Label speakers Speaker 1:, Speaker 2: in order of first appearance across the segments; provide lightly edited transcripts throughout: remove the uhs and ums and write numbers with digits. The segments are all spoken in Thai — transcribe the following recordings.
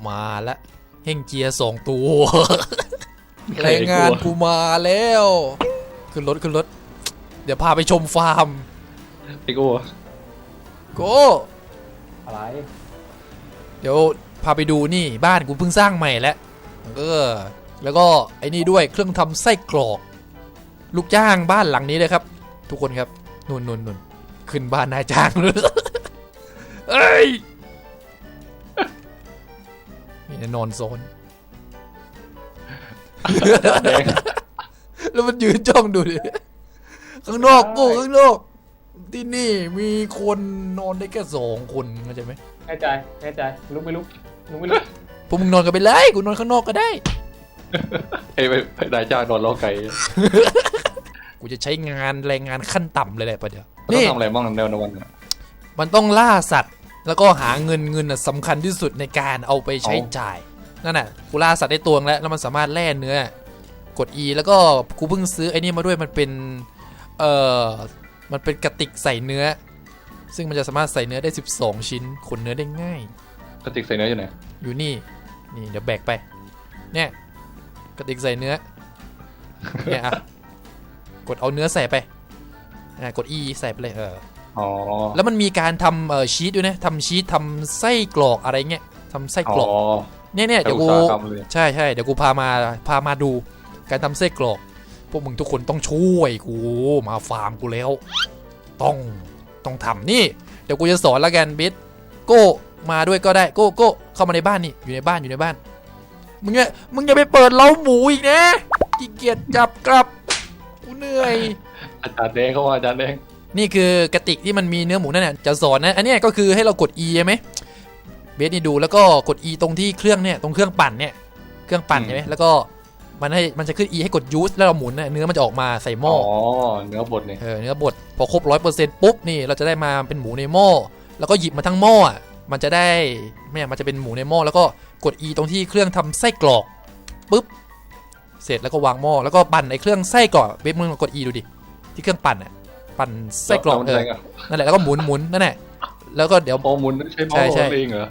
Speaker 1: มาแล้วเฮงเจีย2 ตัวแรงงานกูมาแล้วขึ้นรถเดี๋ยวพาไปชมฟาร์ม
Speaker 2: ไอ้กู
Speaker 1: โก
Speaker 3: อะไร
Speaker 1: เดี๋ยวพาไปดูนี่บ้านกูเพิ่งสร้างใหม่แล้วแล้วก็ไอ้นี่ด้วยเครื่องทำไส้กรอกลูกจ้างบ้านหลังนี้เลยครับทุกคนครับนุ่นขึ้นบ้านนายจ้างเลยเอ้ยนี่นอนโซนแล้วมันยืนจ้องดูดิข้างนอกกูข้างนอกที่นี่มีคนนอนได้แค่2 คนเข้าใจไหม
Speaker 3: แน่ใจลุกไม่ลุก
Speaker 1: พวกมึงนอนกันไปเลยกูนอนข้างนอกก็ได้
Speaker 2: ไอ้นายจ้างนอนล้อไก่
Speaker 1: กูจะใช้งานแรงงานขั้นต่ำเลยแหละประเดี๋ยว
Speaker 2: นี่ทำอะไรบ้างแนวนวัน
Speaker 1: มันต้องล่าสัตว์แล้วก็หาเงินสำคัญที่สุดในการเอาไปใช้จ่ายนั่นน่ะกูล่าสัตว์ได้ตัวแล้วมันสามารถแล่เนื้อกด E แล้วก็กูเพิ่งซื้อไอ้นี่มาด้วยมันเป็นกระติกใส่เนื้อซึ่งมันจะสามารถใส่เนื้อได้12 ชิ้นขนเนื้อได้ง่าย
Speaker 2: กระติกใส่เนื้ออยู่ไหน
Speaker 1: อยู่นี่เดี๋ยวแบกไปเนี่ยกระติกใส่เนื้อเนี่ยอ่ะกดเอาเนื้อใส่ไปกด E ใส่ไปเลย
Speaker 2: อ๋อ
Speaker 1: แล้วมันมีการทำชีสด้วยนะทำชีสทำไส้กรอกอะไรเงี้ยทำไส้กรอกเนี่ยเดี๋ยวกูใช่เดี๋ยวกูพามาดูการทำไส้กรอกพวกมึงทุกคนต้องช่วยกูมาฟาร์มกูแล้วต้องทำนี่เดี๋ยวกูจะสอนละกันบิทโก้มาด้วยก็ได้โก้เข้ามาในบ้านนี่อยู่ในบ้านมึงอย่าไปเปิดเล้าหมูอีกนะขี้เกียจจับกลับกูเหนื่อย
Speaker 2: อาจารย์แดงเข้ามาอาจารย์แดง
Speaker 1: นี่คือกระติกที่มันมีเนื้อหมูนั่นน่ะจะสอนนะอันนี้ก็คือให้เรากด E ใช่ไหมเบสนี่ดูแล้วก็กด E ตรงที่เครื่องเนี่ยตรงเครื่องปั่นเนี่ยเครื่องปั่นใช่ไหมแล้วก็มันจะขึ้น E ให้กดยูสแล้วเราหมุนเนื้อมันจะออกมาใส่หม้อ
Speaker 2: เนื้อบดเนี่ย
Speaker 1: เนื้อบดพอครบ 100% ปุ๊บนี่เราจะได้มาเป็นหมูในหม้อแล้วก็หยิบมาทั้งหม้อมันจะได้มันจะเป็นหมูในหม้อแล้วก็กด E ตรงที่เครื่องทำไส้กรอกปุ๊บเสร็จแล้วก็วางหม้อแล้วก็ปั่นไอ้เครื่องไส้กรอกเบสมึงกด E ดูดิที่เครื่องปั่นปั่นไส้กรอกนั่นแหละแล้วก็หมุนนั่นแหละแล้วก็เดี๋ยว
Speaker 2: หมุนใช้หม้อเองเหรอ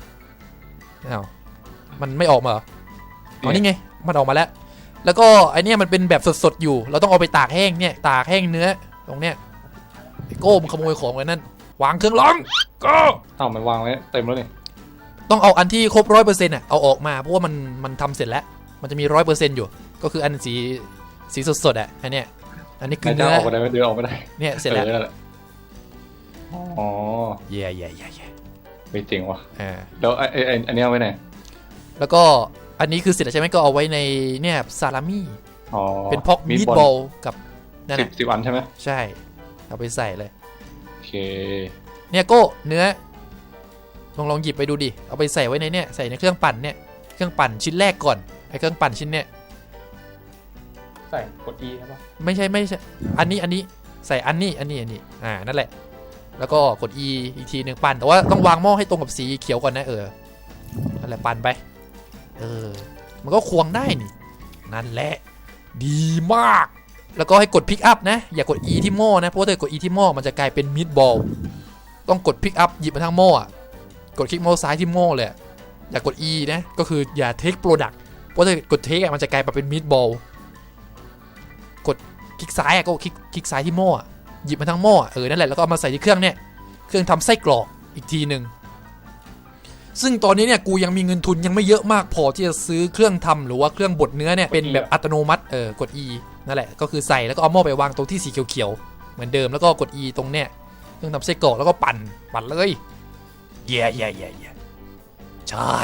Speaker 1: มันไม่ออกมาเหรออ๋อนี่ไงมันออกมาแล้วก็ไอเนี้ยมันเป็นแบบสดๆอยู่เราต้องเอาไปตากแห้งเนี่ยตากแห้งเนื้อตรงเนี้ยไอโก้มันขโมยของไว้นั่นวางเครื่องร้องก็
Speaker 2: มันวางไว้เต็มแล้วนี่
Speaker 1: ต้องเอาอันที่ครบ 100% เอาออกมาเพราะว่ามันทำเสร็จแล้วมันจะมี 100% อยู่ก็คืออันสีสดอันเนี้ยอันนี้คือเนื้อ
Speaker 2: ออกไม่ได้เดือออกไม่ได้
Speaker 1: เนี่ยเสร็จแล้ว
Speaker 2: อ๋อ
Speaker 1: เย่
Speaker 2: ไม่จริงวะแล้วอันนี้เอาไว้ไหน
Speaker 1: แล้วก็อันนี้คือเสร็จแล้วใช่ไหมก็เอาไว้ในเนี่ยซาลามี่เป็นพ็อกมีดบอลกับนั่นแหละ
Speaker 2: 10 อันใช่ไหม
Speaker 1: ใช่เอาไปใส่เลย
Speaker 2: โอเค
Speaker 1: เนี่ยโก้เนื้อลองหยิบไปดูดิเอาไปใส่ไว้ในเนี่ยใส่ในเครื่องปั่นเนี่ยเครื่องปั่นชิ้นแรกก่อนไอ้เครื่องปั่นชิ้นเนี่ย
Speaker 3: ใส่กด E ครับป่ะ
Speaker 1: ไม่ใช่อันนี้ใส่อันนี้นั่นแหละแล้วก็กด E อีกทีหนึ่งปั่นแต่ว่าต้องวางหม้อให้ตรงกับสีเขียวก่อนนะนั่นแหละปั่นไปมันก็ควงได้นี่นั่นแหละดีมากแล้วก็ให้กดพิกอัพนะอย่ากด E ที่หม้อนะเพราะถ้ากด E ที่หม้อมันจะกลายเป็นมีดบอลต้องกดพิกอัพหยิบมาทั้งหม้อกดคลิกเมาส์ซ้ายที่หม้อเลยอย่ากด E นะก็คืออย่าเทคโปรดักต์เพราะถ้ากดเทคมันจะกลายเป็นมีดบอลกดคลิกซ้ายก็คลิกซ้ายที่หม้อหยิบมาทั้งหม้อนั่นแหละแล้วก็เอามาใส่ที่เครื่องเนี่ยเครื่องทำไส้กรอกอีกทีหนึ่งซึ่งตอนนี้เนี่ยกูยังมีเงินทุนยังไม่เยอะมากพอที่จะซื้อเครื่องทำหรือว่าเครื่องบดเนื้อเนี่ยเป็นแบบอัตโนมัติกด E นั่นแหละก็คือใส่แล้วก็เอาหม้อไปวางตรงที่สีเขียวๆเหมือนเดิมแล้วก็กด E ตรงเนี่ยเครื่องทำไส้กรอกแล้วก็ปั่นเลยเย่ใช่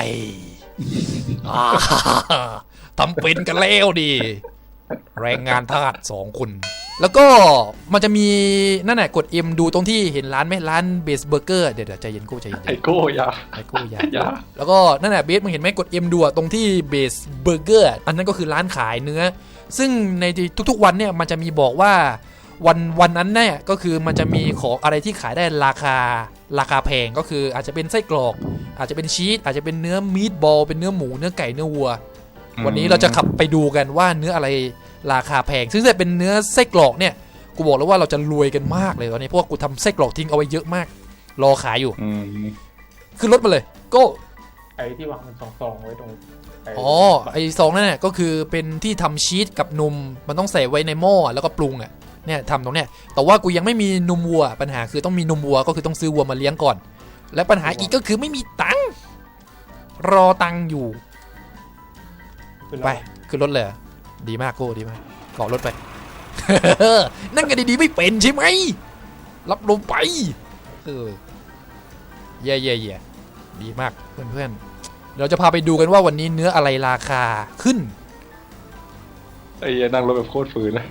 Speaker 1: ทำเป็นกันแล้วดิแรงงานทาส2 คนแล้วก็มันจะมีนั่นแหละกด M ดูตรงที่เห็นร้านไหมร้านเบสเบอร์เกอร์เดี๋ยวใจเย็นใจเย็น
Speaker 2: ไอโก้ยา
Speaker 1: แล้วก็นั่นแหละเบสมึงเห็นไหมกด M ดูตรงที่เบสเบอร์เกอร์อันนั้นก็คือร้านขายเนื้อซึ่งในทุกๆวันเนี่ยมันจะมีบอกว่าวันนั้นเนี่ยก็คือมันจะมีของอะไรที่ขายได้ราคาแพงก็คืออาจจะเป็นไส้กรอกอาจจะเป็นชีสอาจจะเป็นเนื้อมีดบอลเป็นเนื้อหมูเนื้อไก่เนื้อวัววันนี้เราจะขับไปดูกันว่าเนื้ออะไรราคาแพงซึ่งจะเป็นเนื้อไส้กรอกเนี่ยกูบอกแล้วว่าเราจะรวยกันมากเลยตอนนี้เพราะว่ากูทำไส้กรอกทิ้งเอาไว้เยอะมากรอขายอยู่ขึ้นรถมาเลยโก้
Speaker 3: อ้ที่วางเป็นซองๆไว้ตรงไ
Speaker 1: อ๋อไอซองนั่นน่ะก็คือเป็นที่ทำชีสกับนมมันต้องใส่ไว้ในหม้อแล้วก็ปรุงอ่ะเนี่ยทำตรงเนี้ยแต่ว่ากูยังไม่มีนมวัวปัญหาคือต้องมีนมวัวก็คือต้องซื้อวัวมาเลี้ยงก่อน และปัญหาอีกก็คือไม่มีตังค์รอตังค์อยู่
Speaker 3: คือเรา
Speaker 1: ไปขึ้นรถเลยเหรอดีมากโก้ดีมากเกาะรถไป นั่งกันดีๆไม่เป็นใช่ไหมรับลมไปเออเย่ดีมากเพื่อนๆเราจะพาไปดูกันว่าวันนี้เนื้ออะไรราคาขึ้น
Speaker 2: ไอ้เหี้ยนั่งรถแบบโคตรฝืนเลย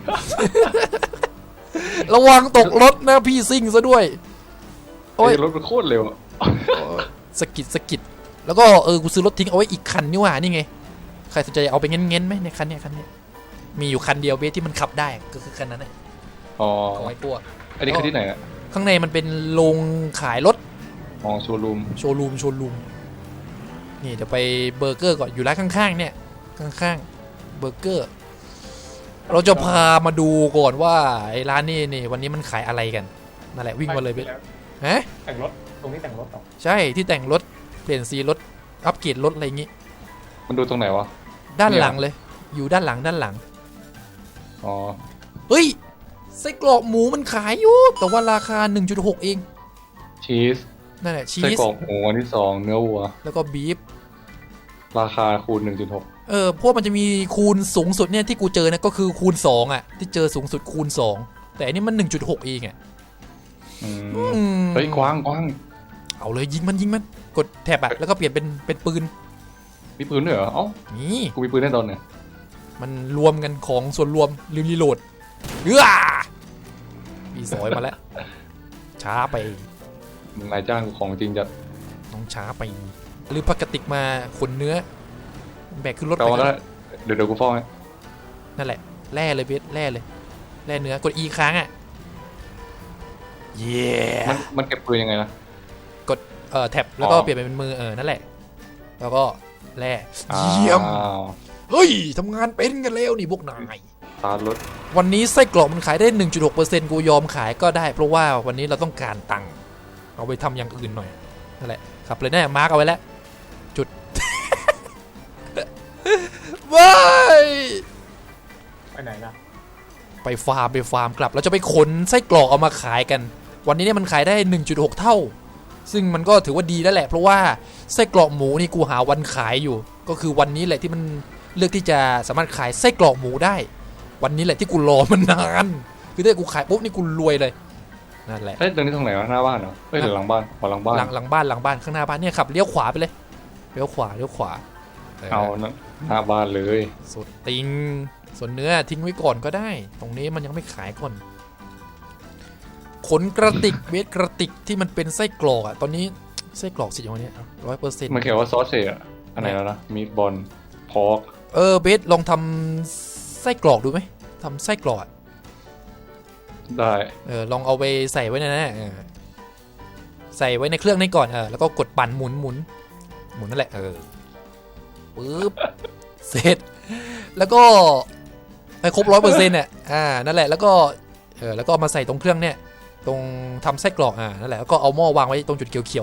Speaker 1: ระวังตกรถนะพี่ซิ่งซะด้วย โอ้ย
Speaker 2: ไอ้รถมันโคตรเร็วอะ
Speaker 1: สกิดแล้วก็กูซื้อรถทิ้งเอาไว้อีกคันนี่หว่านี่ไงใครสนใจเอาไปเง้นๆไหมในคันเนี้ยมีอยู่คันเดียวเบสที่มันขับได้ก็คือคันนั้นแหละ
Speaker 2: อ๋อ
Speaker 1: เอาไว้ตัว
Speaker 2: อันนี้คือที่ไหนอะ
Speaker 1: ข้างในมันเป็นโรงขายรถ
Speaker 2: มองโชว์รูม
Speaker 1: โชว์รูมนี่เดี๋ยวไปเบอร์เกอร์ก่อนอยู่ร้านข้างๆเนี่ยข้างๆเบอร์เกอร์เราจะพามาดูก่อนว่าไอ้ร้านนี่วันนี้มันขายอะไรกันนั่นแหละวิ่งมาเลยเบสฮะ
Speaker 3: แต่งรถตรงนี้แต่งรถต่อ
Speaker 1: ใช่ที่แต่งรถเปลี่ยนสีรถอัปเกรดรถอะไรอย่างงี้
Speaker 2: มันดูตรงไหนวะ
Speaker 1: ด้านหลังเลย อยู่ด้านหลัง
Speaker 2: อ๋อ
Speaker 1: เฮ้ยไส้กรอกหมูมันขายอยู่แต่ว่าราคา 1.6 เอง
Speaker 2: ชีส
Speaker 1: นั่นแหละชี
Speaker 2: ไส้
Speaker 1: ส
Speaker 2: กรอกหมูอันที่2เนื้อวัว
Speaker 1: แล้วก็บีฟ
Speaker 2: ราคาคูณ 1.6
Speaker 1: พวกมันจะมีคูณสูงสุดเนี่ยที่กูเจอนะก็คือคูณ2อ่ะที่เจอสูงสุดคูณ2แต่อันนี้มัน 1.6 เองอ่ะ
Speaker 2: เฮ้ยกว้าง
Speaker 1: เอาเลยยิงมันกดแท็บอ่ะแล้วก็เปลี่ยนเป็นปืน
Speaker 2: มีปืนด้วยเหรอเอ้า
Speaker 1: นี่
Speaker 2: กูมีปืนแน่นอนเนี่ย
Speaker 1: มันรวมกันของส่วนรวมลืมรีโหลดมีสอยมาแล้วช้าไป
Speaker 2: มึงนายจ้างกูของจริงจัด
Speaker 1: น้องช้าไปหรือพักกระติกมาขนเนื้อแบกขึ้นรถ
Speaker 2: แต่
Speaker 1: ไป
Speaker 2: ว่าแล้วเดี๋ยวกูฟ้องให้
Speaker 1: นั่นแหละแร่เลยเบสแร่เนื้อกด E ค้างอ่ะเย้
Speaker 2: มันเก็บปืนยังไงนะ
Speaker 1: กดแท็บแล้วก็
Speaker 2: อ๋อ
Speaker 1: เปลี่ยนเป็นมือนั่นแหละแล้วก็แร่
Speaker 2: อ้าว
Speaker 1: เยี่ยมเฮ้ยทำงานเป็นกันแล้วนี่พวกนาย
Speaker 2: ตาร์ทรถ
Speaker 1: วันนี้ไส้กรอกมันขายได้ 1.6% กูยอมขายก็ได้เพราะว่าวันนี้เราต้องการตังค์เอาไปทำอย่างอื่นหน่อยนั่นแหละขับเลยแน่มาร์กเอาไว้แล้วจุด ว้าย
Speaker 3: ไปไหนนะ
Speaker 1: ไปฟาร์มกลับเราจะไปขนไส้กรอกเอามาขายกัน วันนี้เนี่ยมันขายได้ 1.6 เท่า ซึ่งมันก็ถือว่าดีแล้วแหละเพราะว่าไส้กรอกหมูนี่กูหาวันขายอยู่ ก็คือวันนี้แหละที่มันเลือกที่จะสามารถขายไส้กรอกหมูได้ วันนี้แหละที่กูรอมันนานคือถ้ากูขายปุ๊บนี่กูรวยเลยนั่นแหละ
Speaker 2: เอ้ยตรงนี้ตรงไหนวะหน้าบ้านเหรอเฮ้ยหรือหลังบ้านหลังบ้าน
Speaker 1: หลังบ้านข้างหน้าบ้านเนี่ยขับเลี้ยวขวาไปเลยเลี้ยวขวา
Speaker 2: เอานะหน้าบ้านเลย
Speaker 1: สุดติงส่วนเนื้อทิ้งไว้ก่อนก็ได้ ตรงนี้มันยังไม่ขายก่อนขนกระติกเวทกระติกที่มันเป็นไส้กรอกอ่ะตอนนี้ไส้กรอกสิอย่างนี้100%
Speaker 2: มันเขียนว่าซอสเซจอะอันไหนแล้วนะมีบอลพอก
Speaker 1: เบสลองทำไส้กรอกดูไหมทำไส้กรอกอะ
Speaker 2: ได้
Speaker 1: ลองเอาไปใส่ไว้ในนั้นใส่ไว้ในเครื่องนี้ก่อนแล้วก็กดปั่นหมุนนั่นแหละปึ๊บเสร็จแล้วก็ให้ครบ100%เนี่ยนั่นแหละแล้วก็แล้วก็เอามาใส่ตรงเครื่องเนี่ยตรงทำไส้กรอกนั่นแหละแล้วก็เอาหม้อวางไว้ตรงจุดเขียว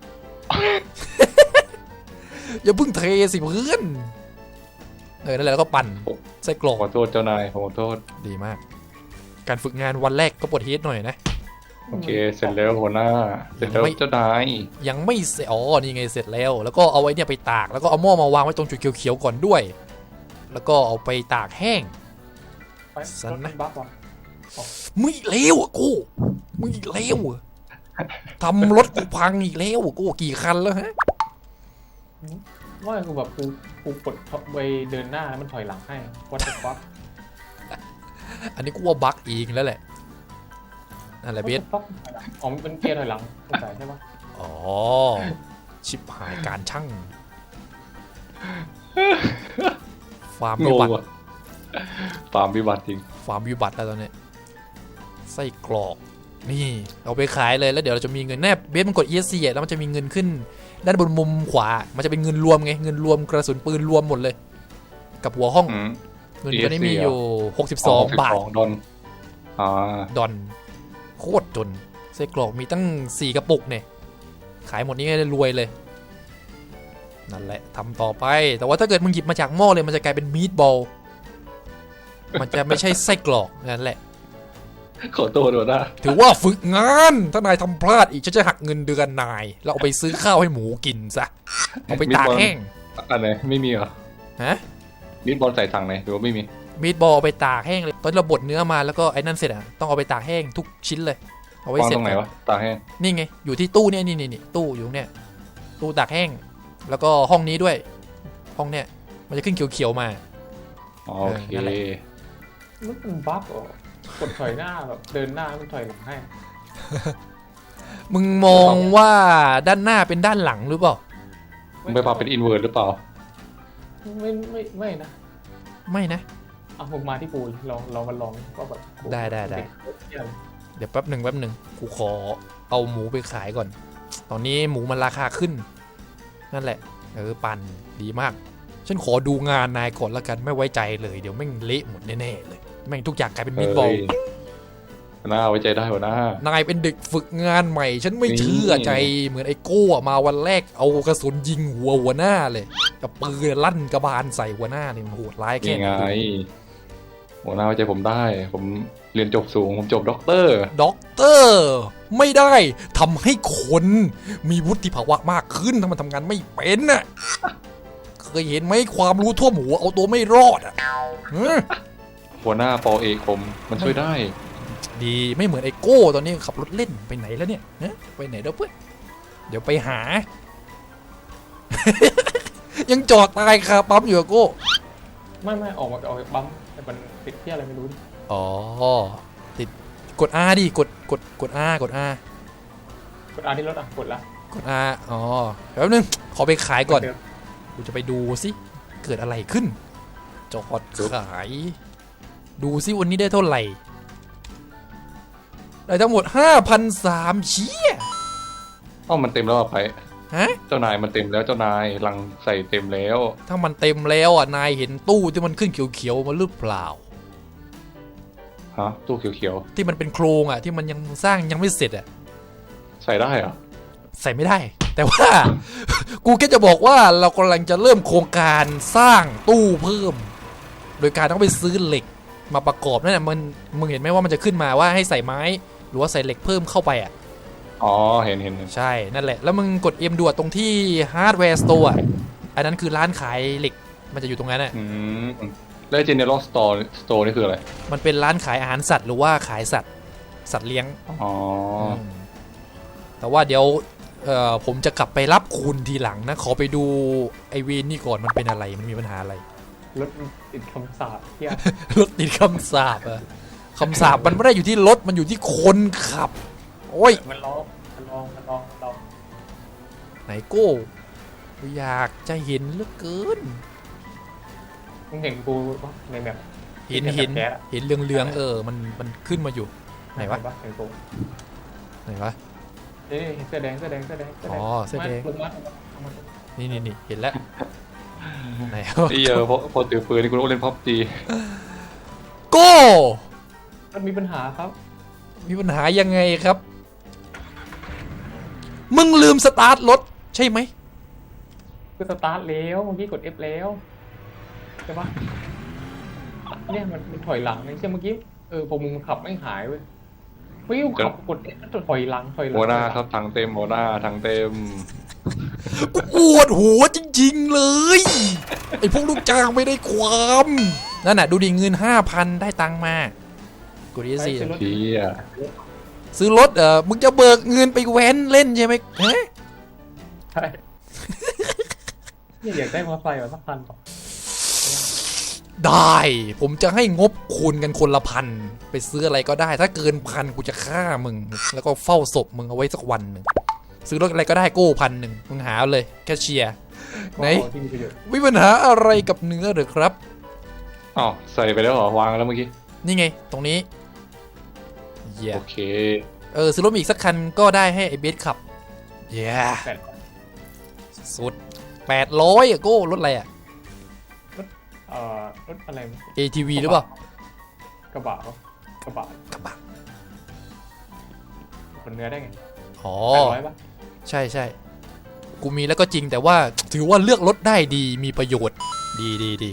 Speaker 1: ๆ อย่าเพิ่งเทสิเพื่อนนั่นแหละแล้วก็ปั่นไส้กรอก
Speaker 2: ขอโทษเจ้านายขอโทษ
Speaker 1: ดีมาก การฝึกงานวันแรกก็ปวดฮีทหน่อยนะ
Speaker 2: โอเคเสร็จแล้วหัวหน้าเสร็จแล้วเจ้านาย
Speaker 1: ยังไม่เสร็จนี่ไงเสร็จแล้วแล้วก็เอาไว้เนี่ยไปตากแล้วก็เอาหม้อมาวางไว้ตรงจุดเขียวๆก่อนด้วย แล้วก็เอาไปตากแห้ง
Speaker 3: ไป
Speaker 1: สันนะ
Speaker 3: รถบัฟวะ
Speaker 1: มึงอีกแล้วกูมึงอีกแล้วทำรถกูพังอีกแล้วกูกี่คันแล้วฮะ
Speaker 3: ว่าคือแบบกูกดไปเดินหน้าแล้วมันถอยหลังให้วัดบัฟ
Speaker 1: อันนี้กูว่าบั๊กอีกแล้วแหละนั่นแหละเบส
Speaker 3: อ๋อมันเป็นเกียร์ถอยหลังใช่ปะ
Speaker 1: อ๋อชิบหายการช่างฟาร์ม
Speaker 2: ง
Speaker 1: วิ
Speaker 2: ง
Speaker 1: บัติ
Speaker 2: ว่ะฟาร์มวิบัติจริง
Speaker 1: ฟาร์มวิบัติแล้วตอนนี้ไส้กรอกนี่เอาไปขายเลยแล้วเดี๋ยวเราจะมีเงินแนบเบสมันกด ESC แล้วมันจะมีเงินขึ้นด้านบนมุมขวามันจะเป็นเงินรวมไงเงินรวมกระสุนปืนรวมหมดเลยกับหัวห้องเงินตัวนี้มีอยู่62 บาท
Speaker 2: ดอน
Speaker 1: ดอนโคตรจนไส้กรอกมีตั้ง4 กระปุกเนี่ยขายหมดนี้ก็รวยเลยนั่นแหละทำต่อไปแต่ว่าถ้าเกิดมึงหยิบมาจากหม้อเลยมันจะกลายเป็นมีดบอลมันจะไม่ใช่ไส้กรอกนั่นแหละ
Speaker 2: ขอโทษด้วยนะ
Speaker 1: ถือว่าฝึกงานถ้านายทำพลาดอีกฉันจะหักเงินเดือนนายแล้วเอาไปซื้อข้าวให้หมูกินซะเอาไปตากแห้ง
Speaker 2: อันไหนไม่มีเหรอ
Speaker 1: ฮะ
Speaker 2: มีดบอลใส่ถังไหนหรือว่าไม่มี
Speaker 1: มีดบอลเอาไปตากแห้งเลยตอนเราบดเนื้อมาแล้วก็ไอ้นั่นเสร็จอ่ะต้องเอาไปตากแห้งทุกชิ้นเลยเอาไว้
Speaker 2: วาง
Speaker 1: เสร็จ
Speaker 2: ตรงไหนวะตาแห้ง
Speaker 1: นี่ไงอยู่ที่ตู้เนี่ยนี่ตู้อยู่เนี่ยตู้ตากแห้งแล้วก็ห้องนี้ด้วยห้องเนี่ยมันจะขึ้นเขียวๆมา
Speaker 2: อ๋อโอเค
Speaker 1: นั่นแหละ
Speaker 3: มันเป็นบั๊กเหรอกดถอยหน้าแบบเดินหน้ามันถอยหลังให้
Speaker 1: มึงมองว่าด้านหน้าเป็นด้านหลังหรือเปล่า
Speaker 2: มึงไปปรับเป็นอินเวอร์หรือเปล่า
Speaker 3: ไม่นะ
Speaker 1: ไม่นะ
Speaker 3: อ่ะผมมาที่กูลองมาลองว่าแบบกู
Speaker 1: ได้
Speaker 3: เหี้ย
Speaker 1: เดี๋ยวแป๊บหนึ่งกูขอเอาหมูไปขายก่อน ตอนนี้หมูมันราคาขึ้นนั่นแหละปั่นดีมากฉันขอดูงานนายก่อนละกันไม่ไว้ใจเลยเดี๋ยวแม่งเละหมดแน่ๆเลยแม่งทุกอย่างกลายเป็นมีดบอล
Speaker 2: หัวหน้าไว้ใจได้หัวหน้า
Speaker 1: นายเป็นเด็กฝึกงานใหม่ ฉันไม่เชื่อใจเหมือนไอ้โก้มาวันแรกเอากระสุนยิงหัวหน้าเลยกับปืนลั่นกระบาลใส่หัวหน้าเนี่ยมันโหดร้ายแค่
Speaker 2: นี่
Speaker 1: ไหน
Speaker 2: ไงหัวหน้าไว้ใจผมได้ ผมเรียนจบสูงผมจบด็อกเตอร์
Speaker 1: ด็อกเตอร์ไม่ได้ทำให้คนมีวุฒิภาวะมากขึ้นถ้ามันทำงานไม่เป็นน่ะเคยเห็นไหมความรู้ทั่วหมูเอาตัวไม่รอดอ่ะ
Speaker 2: หัวหน้าปอเอกผมมันช่วยได้
Speaker 1: ดีไม่เหมือนไอ้โก้ตอนนี้ขับรถเล่นไปไหนแล้วเนี่ยไปไหนแล้วเพื่อนเดี๋ยวไปหา ยังจอดตายคาปั๊มอยู่อะโก้
Speaker 3: ไม่ออกจากปั๊มแต่มันติดที่อะไรไม่รู้ดิ
Speaker 1: อ๋อติดกด R ดิกด R กด R
Speaker 3: กดอาที่รถอ่ะกดละ
Speaker 1: กด R อ๋อแป๊บนึงขอไปขายก่อน
Speaker 3: เดิม
Speaker 1: กูจะไปดูสิเกิดอะไรขึ้นจอดขายดูสิวันนี้ได้เท่าไหร่ได้ทั้งหมด 5,300 เชี่ย
Speaker 2: เอ้ามันเต็มแล้วอะไป
Speaker 1: ฮะ
Speaker 2: เจ้านายมันเต็มแล้วเจ้านายลังใส่เต็มแล้ว
Speaker 1: ถ้ามันเต็มแล้วอ่ะนายเห็นตู้ที่มันขึ้นเขียวๆมาหรือเปล่า
Speaker 2: ฮะตู้เขียว
Speaker 1: ที่มันเป็นโครงอ่ะที่มันยังสร้างยังไม่เสร็จอ่ะ
Speaker 2: ๆใส่ได้เหรอ
Speaker 1: ใส่ไม่ได้ แต่ว่า กูแค่จะบอกว่าเรากำลังจะเริ่มโครงการสร้างตู้เพิ่ม โดยการต้องไปซื้อเหล็กมาประกอบนั่นแหละมึงเห็นไหมว่ามันจะขึ้นมาว่าให้ใส่ไม้หรือว่าใส่เหล็กเพิ่มเข้าไปอ่ะ
Speaker 2: อ๋อเห็น
Speaker 1: ใช่นั่นแหละแล้วมึงกด M ดูตรงที่ฮาร์ดแวร์สโตร์อันนั้นคือร้านขายเหล็กมันจะอยู่ตรงนั้นอ่ะ
Speaker 2: อืมแล้ว General Store นี่คืออะไร
Speaker 1: มันเป็นร้านขายอาหารสัตว์หรือว่าขายสัตว์เลี้ยง
Speaker 2: อ๋อ
Speaker 1: แต่ว่าเดี๋ยวผมจะกลับไปรับคุณทีหลังนะขอไปดูไอเวนนี่ก่อนมันเป็นอะไรมันมีปัญหาอะไร
Speaker 3: รถมันติดคำสาปเที่ย
Speaker 1: รถติดคำสาปอะคำสาปมันไม่ได้อยู่ที่รถมันอยู่ที่คนขับโอ้ย
Speaker 3: มันลอง
Speaker 1: ไหนโก้อยากจะเห็นเหลือเกิน
Speaker 3: มึงเห็นกูปะในแบบ
Speaker 1: เห็น
Speaker 3: แก๊สอะ
Speaker 1: เห็นเรืองมันขึ้นมาอยู่ไหนวะ
Speaker 3: เห็นกู
Speaker 1: ไหนวะ
Speaker 3: นี่เสื้อแดง
Speaker 1: อ๋อเสื้อแดง
Speaker 3: ลงมา
Speaker 1: นี่เห็นแล้วไหน
Speaker 2: ไอ้พอถือปืนนี่กูต้องเล่นพับจี
Speaker 1: โก้
Speaker 3: มันมีปัญหาครับ
Speaker 1: มีปัญหายังไงครับ มึงลืมสตาร์ทรถใช่ไหม
Speaker 3: คือสตาร์ทแล้วเมื่อกี้กด F แล้วใช่ปะเนี่ยมันถอยหลังเลยใช่เมื่อกี้พอมึงขับไม่หายเว้ยเฮ้ยกูขับกด F แล้วถอยหลัง
Speaker 2: หัวหน้าครับถังเต็มหัวหน้าถังเต็ม
Speaker 1: กูปวดหัวจริงๆเลยไอ้พวกลูกจ้างไม่ได้ความนั่นน่ะดูดิเงิน 5,000 ได้ตังค์มากูดีสิ
Speaker 2: เฮีย
Speaker 1: ซื้อรถมึงจะเบิกเงินไปแว้นเล่นใช่ไหมฮะ
Speaker 3: ใช่เนี่ยอยากได้มอเตอร์ไซค์แบบสักคันป่ะ
Speaker 1: ได้ผมจะให้งบคูณกันคนละพันไปซื้ออะไรก็ได้ ถ้าเกินพันกูจะฆ่ามึงแล้วก็เฝ้าศพมึงเอาไว้สักวันหนึ่งซื้อรถอะไรก็ได้โก้1,000มึงหาเลยแค่เชียร์ไหน
Speaker 3: ที่มีประโยชน์
Speaker 1: มีปัญหาอะไรกับเนื้อหรือครับ
Speaker 2: อ้าวใส่ไปแล้วเหรอวางแล้วเมื่อกี้
Speaker 1: นี่ไงตรงนี้เย้
Speaker 2: โอเค
Speaker 1: ซื้อรถอีกสักคันก็ได้ให้ไอ้เบสขับเย้
Speaker 3: แต่
Speaker 1: สุด800อะโก้รถอะไรอะ
Speaker 3: รถอะไร
Speaker 1: ATV หรือเปล่าก
Speaker 3: ระบะกระบะ
Speaker 1: กระบะ
Speaker 3: ขนเนื้อได้ไง
Speaker 1: อ๋อ
Speaker 3: 800ป่ะ
Speaker 1: ใช่กูมีแล้วก็จริงแต่ว่าถือว่าเลือกรถได้ดีมีประโยชน์ดี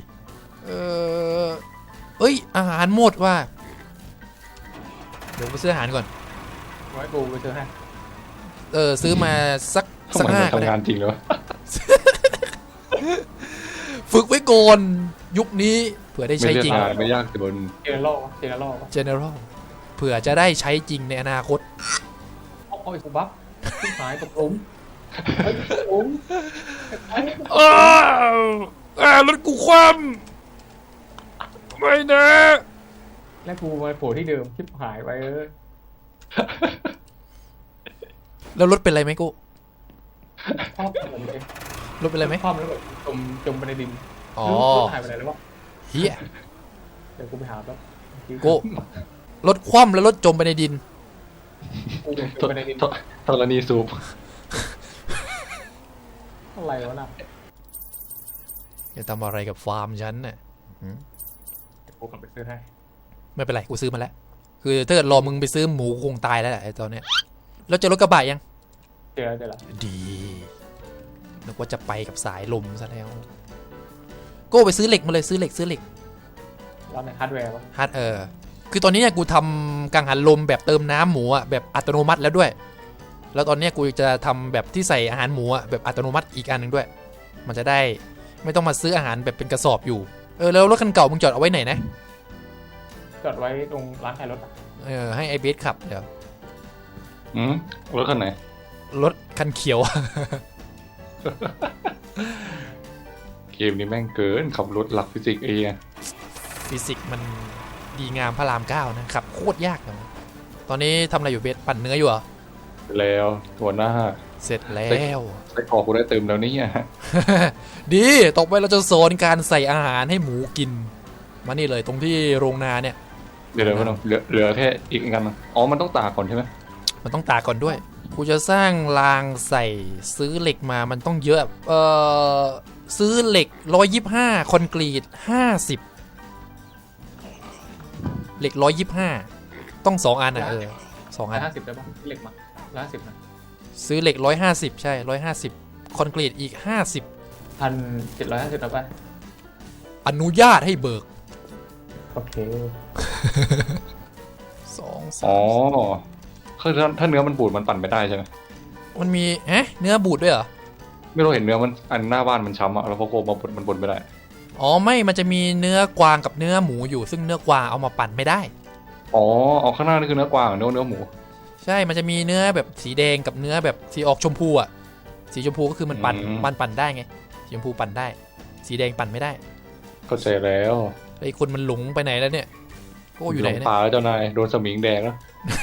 Speaker 1: เอ้ยอาหารหมดว่ะเดี๋ยวกูซื้ออาหารก่อน
Speaker 3: ไว้กูไปซื้อให้
Speaker 1: ซื้อมาสัก
Speaker 2: ทำไม
Speaker 1: ห้า
Speaker 2: มัน
Speaker 1: ก็ได้
Speaker 2: ทำงานจริงเลยวะ
Speaker 1: ฝึกไว้ก่อนยุคนี้เผื่อได้
Speaker 2: ไม่
Speaker 1: ใช้
Speaker 2: เลือก
Speaker 1: จริง
Speaker 2: งานไม่ยากแต่บน
Speaker 3: เจเนอรัลเจเนอรัล
Speaker 1: general เผื่อจะได้ใช้จริงในอนาคต
Speaker 3: โอ้ยกูบัฟขึ้นหายตกหลุมเฮ้ยตกหลุมไอ้
Speaker 1: รถกูคว่ำไม่นะ
Speaker 3: แล้วกูมาโผล่ที่เดิมชิบหายไป
Speaker 1: แล้วรถเป็นไรไหมกู
Speaker 3: ครอบแบบนี้
Speaker 1: รถเป็นไรไหม
Speaker 3: ครอบแล้วแบบจมไปในดิน
Speaker 1: อ๋อ
Speaker 3: รถหายไปไหนแล้ววะ
Speaker 1: เฮีย
Speaker 3: เดี๋ยวกูไปหาแป๊บ
Speaker 1: กูรถคว่ำแล้วรถจมไปในดิน
Speaker 3: กูจมไปในดิน
Speaker 2: ธรณีสูบ
Speaker 3: อะไรวะน่ะ
Speaker 1: จะทำอะไรกับฟาร์มฉันน่ะ
Speaker 3: เดี๋ยวกูกลับไปซื้อให้
Speaker 1: ไม่เป็นไรกูซื้อมาแล้วคือถ้าเกิดรอมึงไปซื้อหมูคงตายแล้วแหละไอ้ตอนเนี้ยแล้วเจะรถกระบะยัง
Speaker 3: เจอแล้ว
Speaker 1: ดีนึกว่าจะไปกับสายลมซะแล้วโก้ไปซื้อเหล็กมาเลยซื้อเหล็ก
Speaker 3: แล้วในฮาร์ดแวร์วะ
Speaker 1: ฮาร์ดคือตอนนี้เนี่ยกูทำกังหันลมแบบเติมน้ำหมูอะแบบอัตโนมัติแล้วด้วย แล้วตอนเนี้ยกูจะทำแบบที่ใส่อาหารหมูอะแบบอัตโนมัติอีกอันหนึ่งด้วย มันจะได้ไม่ต้องมาซื้ออาหารแบบเป็นกระสอบอยู่แล้วรถคันเก่ามึงจอดเอาไว้ไหนนะ
Speaker 3: จอดไว้ตรงร้านขายรถอะ
Speaker 1: ให้ไอเบสขับเดี๋ยว
Speaker 2: รถคันไหน
Speaker 1: รถคันเขียว
Speaker 2: เกมนี้แม่งเกินขับรถหลักฟิสิกส์เอง
Speaker 1: ฟิสิกส์มันดีงามพระราม 9นะครับโคตรยากเลยตอนนี้ทำอะไรอยู่เบสปั่นเนื้ออยู่เหรอ
Speaker 2: แล้วหัวหน้า
Speaker 1: เสร็จแล้ว
Speaker 2: ไส้กรอกกูได้เติมแล้วเนี่ย
Speaker 1: ดีต่อไปเราจะสอนการใส่อาหารให้หมูกิน มานี่เลยตรงที่โรงนาเนี่ย
Speaker 2: เดี๋ยวพี่น้องเหลือแค่อีกอันนึงอ๋อมันต้องตากก่อนใช่ไหม
Speaker 1: มันต้องตากก่อนด้วยกูจะสร้างรางใส่ซื้อเหล็กมามันต้องเยอะซื้อเหล็ก125คอนกรีต50เหล็ก125ต้อง2อันอ่ะ2อัน
Speaker 3: 150ได้ปะเหล็กมา150นะ
Speaker 1: ซื้อเหล็ก150ใช่150คอนกรีตอีก50
Speaker 3: 1,750ได้ปะ
Speaker 1: อนุญาตให้เบิก
Speaker 3: โอเค
Speaker 1: 2
Speaker 2: อ๋อคือถ้าเนื้อมันบูดมันปั่นไม่ได้ใช่ไหม
Speaker 1: มันมีเนื้อบูดด้วยเหรอ
Speaker 2: ไม่รู้เห็นเนื้อมันอันหน้าบ้านมันช้ำอะแล้วพอโกมาบดมันบดไม่ได้
Speaker 1: อ๋อไม่มันจะมีเนื้อกวางกับเนื้อหมูอยู่ซึ่งเนื้อกวางเอามาปั่นไม่ได้
Speaker 2: อ๋อเอาข้างหน้านี่คือเนื้อกวางเนื้อหมู
Speaker 1: ใช่มันจะมีเนื้อแบบสีแดงกับเนื้อแบบสีออกชมพูอ่ะสีชมพูก็คือมันปั่นได้ไงสีชมพูปั่นได้ สีแดงปั่นไม่ได้
Speaker 2: เข้าใจแล้ว
Speaker 1: ไอ้คนมันหลงไปไหนแล้วเนี่ยโก้อยู่ไหน
Speaker 2: ลง
Speaker 1: เนี่ย
Speaker 2: ป่าแล้วเจ้านายโดนสมิงแดงแล้ว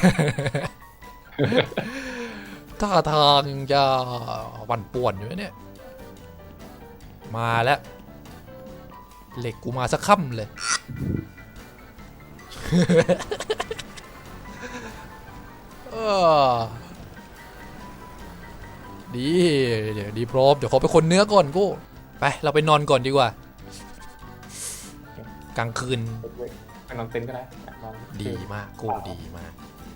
Speaker 1: ท่าทางจะปั่นป่วนอยู่นะเนี่ยมาแล้วเหล็กกูมาสักค่ำเลย ดีเดี๋ยวดีพร้อมเดี๋ยวขอไปคนเนื้อก่อนกูไปเราไปนอนก่อนดีกว่ากลางคืน
Speaker 3: ไปนอนเต็นท์ก็ได้นอน
Speaker 1: ดีมากกูดีมาก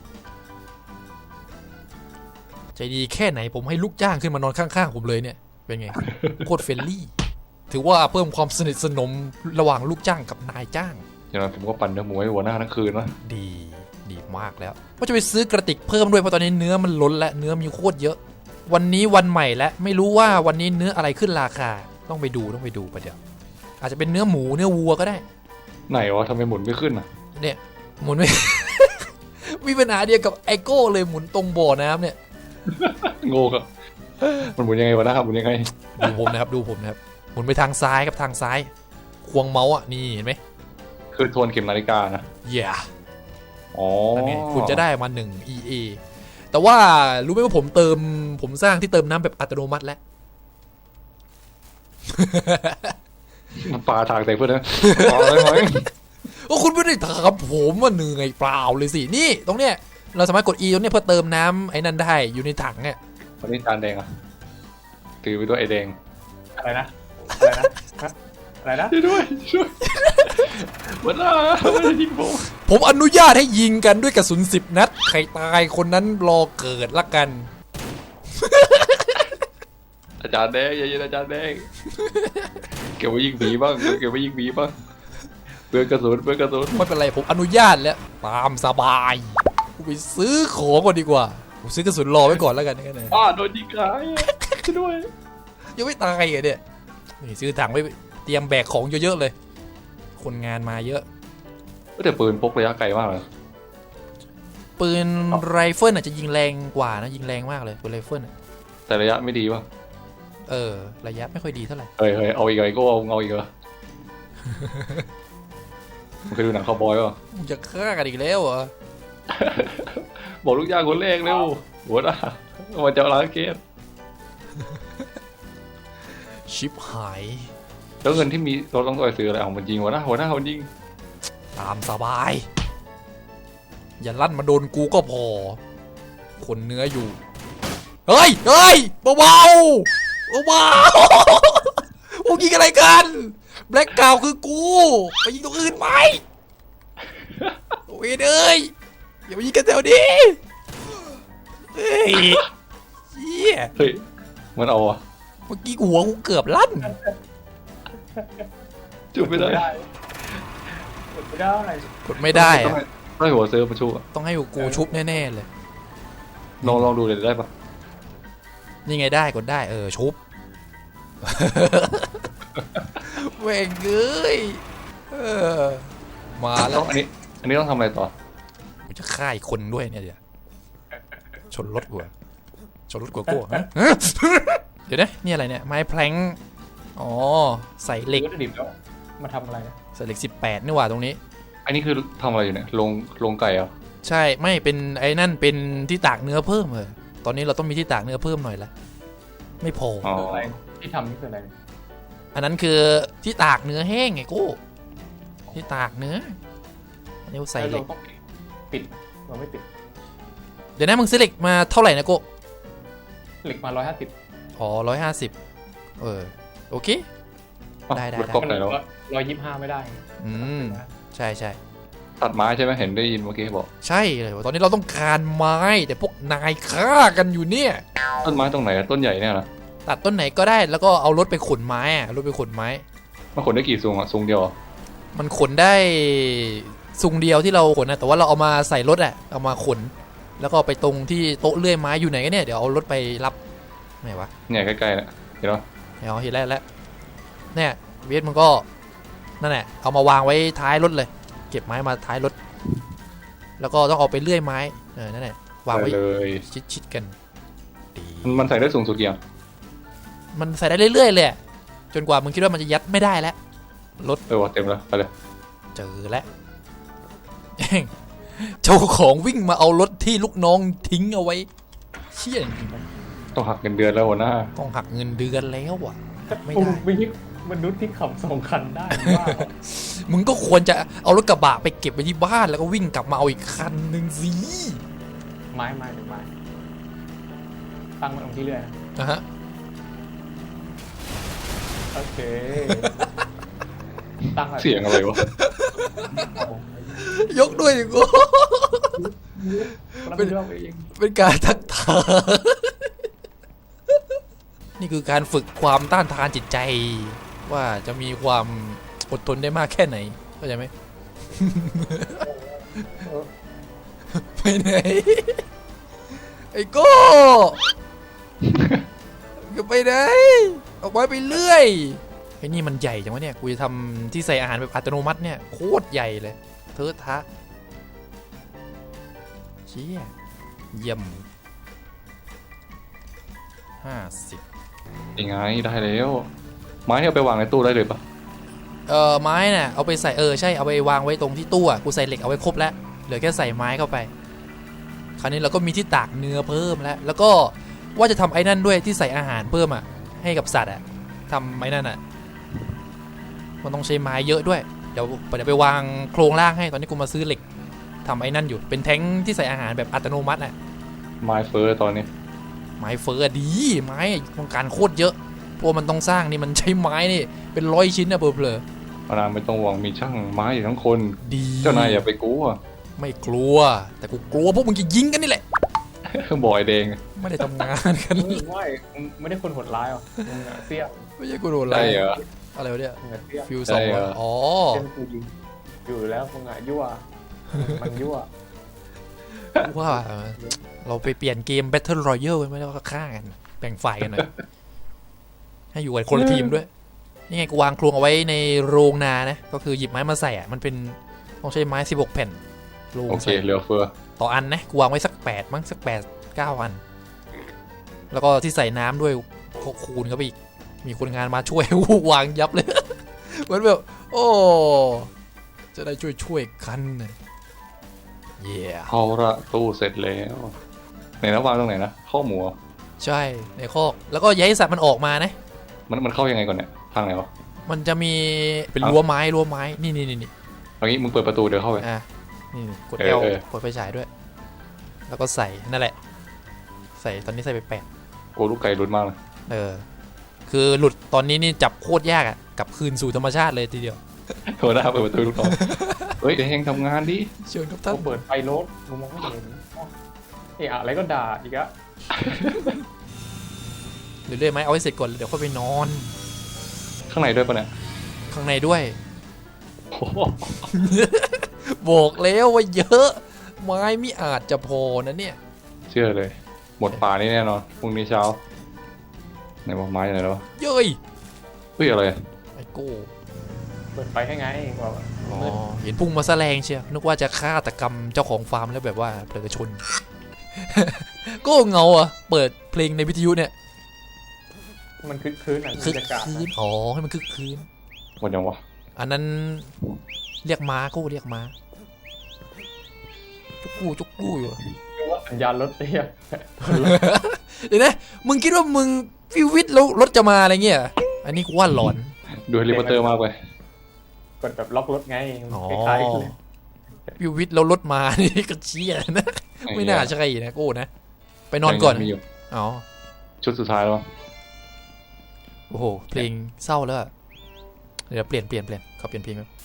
Speaker 1: ใจดีแค่ไหนผมให้ลูกจ้างขึ้นมานอนข้างๆผมเลยเนี่ยเป็นไง โคตรเฟรนลี่ถือว่าเพิ่มความสนิทสนมระหว่างลูกจ้างกับนายจ้าง
Speaker 2: อย่างนั้นผมก็ปั่นเนื้อหมูให้หัวหน้าทั้งคืนนะ
Speaker 1: ดีมากแล้วว่าจะไปซื้อกระติกเพิ่มด้วยเพราะตอนนี้เนื้อมันล้นและเนื้อมีโคตรเยอะ วันนี้วันใหม่แล้วไม่รู้ว่าวันนี้เนื้ออะไรขึ้นราคาต้องไปดูประเดี๋ยวอาจจะเป็นเนื้อหมูเนื้อวัวก็ได้
Speaker 2: ไหนวะทำไมหมุนไม่ขึ้นอ่ะ
Speaker 1: เนี่ยหมุนไม่ มีปัญหาเดียวกับไอโก้เลยหมุนตรงบ่อน้ำเนี่ย
Speaker 2: โง่ครับมันหมุนยังไงวะหน้าหมุนยังไง
Speaker 1: ดูผมนะครับหมุนไปทางซ้ายครับทางซ้ายควงเมาส์อ่ะนี่เห็นไหม
Speaker 2: คือทวนเข็มนาฬิกานะ
Speaker 1: yeah
Speaker 2: อ๋อ
Speaker 1: นั่นไงคุณจะได้มา1 EA แต่ว่ารู้ไหมว่าผมสร้างที่เติมน้ำแบบอัตโนมัติแล้ว
Speaker 2: มันปลาถากใส่เพื่อนนะปลาอะไรไหม
Speaker 1: โอ้คุณไม่ได้ถามผมว่าเหนื่อยเปล่าเลยสินี่ตรงเนี้ยเราสามารถกด E ตรงเนี้ยเพื่อเติมน้ำไอ้นั่นได้อยู่ในถังเนี่ย
Speaker 2: วันนี้จานแดงอ่ะถือไปด้วยไอแดง
Speaker 3: อะไรนะ
Speaker 2: ช่วยหัวหน้าไม่ได้ยิงผม
Speaker 1: ผมอนุญาตให้ยิงกันด้วยกระสุน10 นัดใครตายคนนั้นรอเกิดละกัน
Speaker 2: ออาจารย์แดงอย่าเย็นอาจารย์แดงเก็บไว้ยิงหมีบ้างเก็บไว้ยิงหมีบ้างเพื่อกระสุนเพื่อกระสุน
Speaker 1: ไม่เป็นไรผมอนุญาตแล้วตามสบายกูไปซื้อของก่อนดีกว่าผมซื้อกระสุนรอไว้ก่อนแล้วกันนะ
Speaker 2: โดนยิงขายช่วยด้วย
Speaker 1: ยังไม่ตายเหรอเนี่ยนี่ซื้อถังไว้เตรียมแบกของเยอะๆเลย คนงานมาเยอะ
Speaker 2: แต่ปืนพกระยะไกลมากเลย
Speaker 1: ปืนไรเฟิลอาจจะยิงแรงกว่านะยิงแรงมากเลยปืนไรเฟิลอะ
Speaker 2: แต่ระยะไม่ดีป่ะ
Speaker 1: ระยะไม่ค่อยดีเท่าไหร่
Speaker 2: เฮ้ยเอาอีกไอ้ก็เอาอีกเหรอมึงเคยดูหนังคาวบอยป่ะ
Speaker 1: มึงจะฆ่ากันอีกแล้วเหรอ
Speaker 2: บอกลูกย่างคนแรกเร็วหัวหน้ามาเจ้าล้างเกม
Speaker 1: ชิปหาย
Speaker 2: แล้วเงินที่มีเราต้องไปซื้ออะไรเอามันยิงหัวหน้าเขายิง
Speaker 1: ตามสบาย อย่าลั่นมาโดนกูก็พอ คนเนื้ออยู่ เฮ้ยเบาๆเบาๆพวกยิงอะไรกันแบล็กกราวคือกูไปยิงตรงอื่นไหมโอ้ยเอ้ยอย่ามายิงกันแถวนี้เฮ้ยเหี้ย
Speaker 2: เฮ้ยมันเอาอะ
Speaker 1: เมื่อกี้หัวกูเกือบลั่น
Speaker 2: จุดไม่ได้
Speaker 3: กดไม่ได้
Speaker 1: กดไม่ได้
Speaker 2: ต้อง
Speaker 1: อะ
Speaker 2: ให้หัวเซิร์ฟมาชูอะ
Speaker 1: ต้องให้กูชุบแน่ๆเลย
Speaker 2: ลองดูเลยได้ปะ
Speaker 1: นี่ไงได้กดได้ชุบ เว่งเอ้ยมาแล้
Speaker 2: ต้
Speaker 1: ว
Speaker 2: องอันนี้ต้องทำอะไรต่อ
Speaker 1: กูจะฆ่าอีกคนด้วยเนี่ยเดี๋ยวชนรถกูอะชนรถกูฮะเดี๋ยวนะนี่อะไรเนี่ยไม้แพลงอ๋อใส่เหล็ก
Speaker 3: วัตถุดิบแล้วมาทำอะไร
Speaker 1: ใส่เหล็ก18นี่หว่าตรงนี้
Speaker 2: อันนี้คือทำอะไรอยู่เนี่ยลงไก่เหรอ
Speaker 1: ใช่ไม่เป็นไอ้นั่นเป็นที่ตากเนื้อเพิ่มตอนนี้เราต้องมีที่ตากเนื้อเพิ่มหน่อยละไม่พอ
Speaker 2: อ๋อ
Speaker 3: อะไรที่ทำนี่คืออะไร
Speaker 1: อันนั้นคือที่ตากเนื้อแห้งไงกูที่ตากเนื้ออันนี้กูใส่เหล็
Speaker 3: เรา
Speaker 1: ก
Speaker 3: ต้องปิดเราไม่ปิด
Speaker 1: เดี๋ยวนะมึงซื้อเหล็กมาเท่าไหร่นะกู
Speaker 3: เหล็กมา150
Speaker 1: อ๋อ150โอเค ได้
Speaker 2: รถก๊อปไหนแล้ว
Speaker 3: 125ไม่ได้
Speaker 1: อืมใช่ใช่
Speaker 2: ตัดไม้ใช่ไหมเห็นได้ยินเมื่อกี้บอก
Speaker 1: ใช่เลยตอนนี้เราต้องการไม้แต่พวกนายฆ่ากันอยู่เนี่ย
Speaker 2: ต้นไม้ตรงไหนอะต้นใหญ่เนี่ยนะ
Speaker 1: ตัดต้นไหนก็ได้แล้วก็เอารถไปขนไม้รถไปขนไม้
Speaker 2: มันขนได้กี่ซุงอะซุงเดียวเหรอ
Speaker 1: มันขนได้ซุงเดียวที่เราขนนะแต่ว่าเราเอามาใส่รถเอามาขน แล้วก็ไปตรงที่โต๊ะเลื่อยไม้อยู่ไหนกันเนี่ยเดี๋ยวเอารถไปรับไหนวะ
Speaker 2: เนี่ยใกล้ๆเนี่ยเห็นปะ
Speaker 1: เห็นแล้วเนี่ยเวทมันก็นั่นแหละเอามาวางไว้ท้ายรถเลย เก็บไม้มาท้ายรถ แล้วก็ต้องเอาไปเลื่อยไม้นั่นแหละวางไว้
Speaker 2: เลย
Speaker 1: ชิดกันดี
Speaker 2: มันใส่ได้สูงสุดกี่อย่าง
Speaker 1: มันใส่ได้เรื่อยๆเลยอะจนกว่ามึงคิดว่ามันจะยัดไม่ได้แล้วรถ
Speaker 2: ว่ะเต็มแล้วไปเลย
Speaker 1: เจอแล้ว เจ้าของวิ่งมาเอารถที่ลูกน้องทิ้งเอาไว้เชี่ยจริง
Speaker 2: ต้องหักเงินเดือนแล้วหัวหน้า
Speaker 1: ๆต้องหักเงินเดือนแล้วอ่ะไม่
Speaker 3: โอ้
Speaker 1: ได้
Speaker 3: ไม่ใช่มนุษย์ที่ขับ2 คันได้ว่า
Speaker 1: มึงก็ควรจะเอารถกระบะไปเก็บไว้ที่บ้านแล้วก็วิ่งกลับมาเอาอีกคันหนึ่งสิ
Speaker 3: ไม้ตั้งมันตรงที่เรื่อยนะ
Speaker 1: นะฮะ
Speaker 3: โอเคตั้งแบบ
Speaker 2: เสียงอะไรวะ
Speaker 1: ยกด้วยดิกู
Speaker 3: แล้วเป็นเรื่องเอง
Speaker 1: เป็นการทักทายนี่คือการฝึกความต้านทานจิตใจ ว่าจะมีความอดทนได้มากแค่ไหนเข้าใจไหม ไปไหนไอ้โก้จะไปไหนออกมาไปเรื่อยไอ้นี่มันใหญ่จังวะเนี่ยกูจะทำที่ใส่อาหารแบบอัตโนมัติเนี่ยโคตรใหญ่เลยเทอะทะเชี่ยเยี่ยม50
Speaker 2: ยังไงได้แล้วไม้ที่เอาไปวางในตู้ได้เลยปะ
Speaker 1: ไม้น่ะเอาไปใส่ใช่เอาไปวางไว้ตรงที่ตู้อ่ะกูใส่เหล็กเอาไว้ครบแล้วเหลือแค่ใส่ไม้เข้าไปคราวนี้เราก็มีที่ตากเนื้อเพิ่มแล้วก็ว่าจะทำไอ้นั่นด้วยที่ใส่อาหารเพิ่มอ่ะให้กับสัตว์อ่ะทำไอ้นั่นอ่ะมันต้องใช้ไม้เยอะด้วยเดี๋ยวไปวางโครงล่างให้ตอนนี้กูมาซื้อเหล็กทำไอ้นั่นอยู่เป็นแท้งที่ใส่อาหารแบบอัตโนมัติอ่ะ
Speaker 2: ไม้เฟอร์ตอนนี้
Speaker 1: ไม้เฟอร์ดีไม้ต้องการโคตรเยอะเพราะมันต้องสร้างนี่มันใช้ไม้นี่เป็น100 ชิ้นนะเผลอ
Speaker 2: พนามไม่ต้องหวังมีช่างไม้อยู่ทั้งคน
Speaker 1: ๆดี
Speaker 2: เจ้านายอย่าไปกลัว
Speaker 1: ไม่กลัวแต่กูกลัวพวกมึงจะยิงกันนี่แหละ
Speaker 2: บอยแดง
Speaker 1: ไไม่ได้ทำงานกัน
Speaker 3: มึงไม่ได้คนโหดร้ายหรอมึงอะเสี้ย
Speaker 1: ไม่ใช่กูโดนอะไร
Speaker 2: ใช่เหรอ
Speaker 1: อะไรวะเนี่ย
Speaker 3: มึงอะเสี้ย
Speaker 1: ฟิว
Speaker 2: ใช่
Speaker 1: สอง
Speaker 2: เหรอ
Speaker 1: อ๋อ
Speaker 3: เส้นกูยิงอยู่แล้วมึงอะยั่วมันยั่ว
Speaker 1: ว่าเราไปเปลี่ยนเกม Battle Royale กันไหมแล้วก็ฆ่ากันแบ่งฝ่ายกันหน่อยให้อยู่กันคนละทีมด้วยนี่ไงกูวางโครงเอาไว้ในโรงนานะก็คือหยิบไม้มาใส่อะมันเป็นต้องใช้ไม้16แผ่นโรง
Speaker 2: โอเค
Speaker 1: ใส่
Speaker 2: เหลือเฟือ
Speaker 1: ต่ออันนะกูวางไว้สัก8มั้งสัก8 9อันแล้วก็ที่ใส่น้ำด้วยคูณเข้าไปอีกมีคนงานมาช่วย วางยับเลย เหมือนแบบโอ้จะได้ช่วยกันนะเย่
Speaker 2: เอาละตู้เสร็จแล้วไหนนะวางตรงไหนนะข้อหมูเหรอ
Speaker 1: ใช่ในคอกแล้วก็อย่าให้สัตว์มันออกมานะ
Speaker 2: มันเข้ายังไงก่อนเนี่ยทางไหนวะ
Speaker 1: มันจะมีเป็นรั้วไม้นี่
Speaker 2: เอางี้มึงเปิดประตูเดี๋ยวเข้าไป
Speaker 1: อ่ะนี่กด
Speaker 2: เออ
Speaker 1: L
Speaker 2: เออ
Speaker 1: กดไฟฉายด้วย แล้วก็ใส่นั่นแหละ ใส่ตอนนี้ใส่ไป
Speaker 2: โอ้ลูกไก่ลุ้นมากเลย
Speaker 1: คือหลุดตอนนี้นี่จับโคตรยากอ่ะกลับคืนสู่ธรรมชาติเลยทีเดียว
Speaker 2: โทรหน้าเปิดประตูลูกน้องเฮ้ยเดี๋ยวเฮงทำงานดิ
Speaker 1: เชิญครับท่าน
Speaker 3: เขาเปิดไฟรถมึงมองไม่เห็นเอะอะไรก็ด่าอีกอะ
Speaker 1: เรื่อยๆไหมเอาให้เสร็จก่อนเดี๋ยวค่อยไปนอน
Speaker 2: ข้างในด้วยปะเนี่ย
Speaker 1: ข้างในด้วย
Speaker 2: โอ้โห
Speaker 1: บอกแล้วว่าเยอะ ไม้ไม่อาจจะพอนะเนี่ย
Speaker 2: เชื่อเลย หมดป่านี่แน่นอนพรุ่งนี้เช้าไหนบอกไม้ไหนแล้ววะ
Speaker 1: เย้ย
Speaker 2: เฮ้ยอะไร
Speaker 1: ไอ้โก้
Speaker 3: เปิดไฟให้ไงบอกว่า
Speaker 1: อ๋อเห็นพุ่งมาแสลงเชียวนึกว่าจะฆาตกรรมเจ้าของฟาร์มแล้วแบบว่าเผลอชน ก็เงาอ่ะเปิดเพลงในวิทยุเนี่ย
Speaker 3: มันคึกคืนอ่ะ
Speaker 1: คึก
Speaker 3: บรรยากาศ
Speaker 1: คืนอ๋อให้มันคึกคืน
Speaker 2: หมดยังวะ
Speaker 1: อันนั้นเรียกม้ากูเรียกม้าจุกกู้อยู่
Speaker 3: เรียกว่าสัญญาณรถเตี้ย
Speaker 1: เดี๋ยวนะมึงคิดว่ามึงฟิววิทแล้วรถจะมาอะไรเงี้ยอันนี้กูว่าหลอน
Speaker 2: ดูเฮลิคอปเตอร์มากไป
Speaker 3: กดแบบล็อกรถไง
Speaker 1: อ๋อ
Speaker 3: คล้ายๆกันเลย
Speaker 1: ฟิววิทแล้วรถมา นี่ก็เชี่ยนะ ไม่น่าใช่นะกูนะ ไปนอนก่อน
Speaker 2: มีอยู่
Speaker 1: อ๋อ
Speaker 2: ชุดสุดท้ายแล้ว
Speaker 1: โอ้โหเพลงเศร้าแล้วอะเดี๋ยวเปลี่ยนขอเปลี่ยนเพลงครับ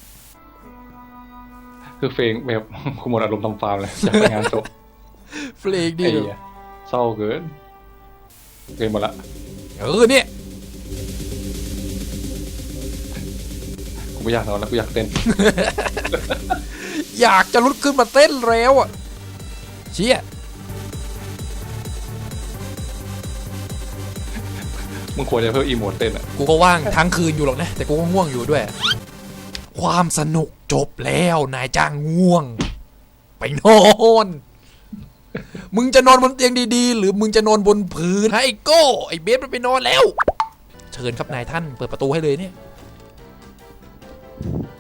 Speaker 2: คือเฟงแบบคุมอารมณ์ทำฟาร์มเลยจากงานจบ
Speaker 1: เพลงดี
Speaker 2: ไอ้เหี้ยเศร้าเกินเกินหมดละ
Speaker 1: เนี่ย
Speaker 2: กูไม่อยากนอนแล้วกูอยากเต้น
Speaker 1: อยากจะลุกขึ้นมาเต้นแล้วอ่ะเชี่ย
Speaker 2: มึงควรจะเพิ่มอีโมดเต้นอ่ะ
Speaker 1: กูก็ว่างทั้งคืนอยู่หรอกนะแต่กูก็ง่วงอยู่ด้วย ความสนุกจบแล้วนายจ้างง่วง ไปนอน มึงจะนอนบนเตียงดีๆ หรือมึงจะนอนบนพื้นไอ้โก้ไอ้เบสมันไปนอนแล้ว เชิญครับนายท่านเปิดประตูให้เลยเนี่ย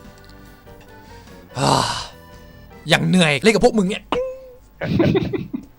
Speaker 1: อย่างเหนื่อยเล่นกับพวกมึงเนี่ย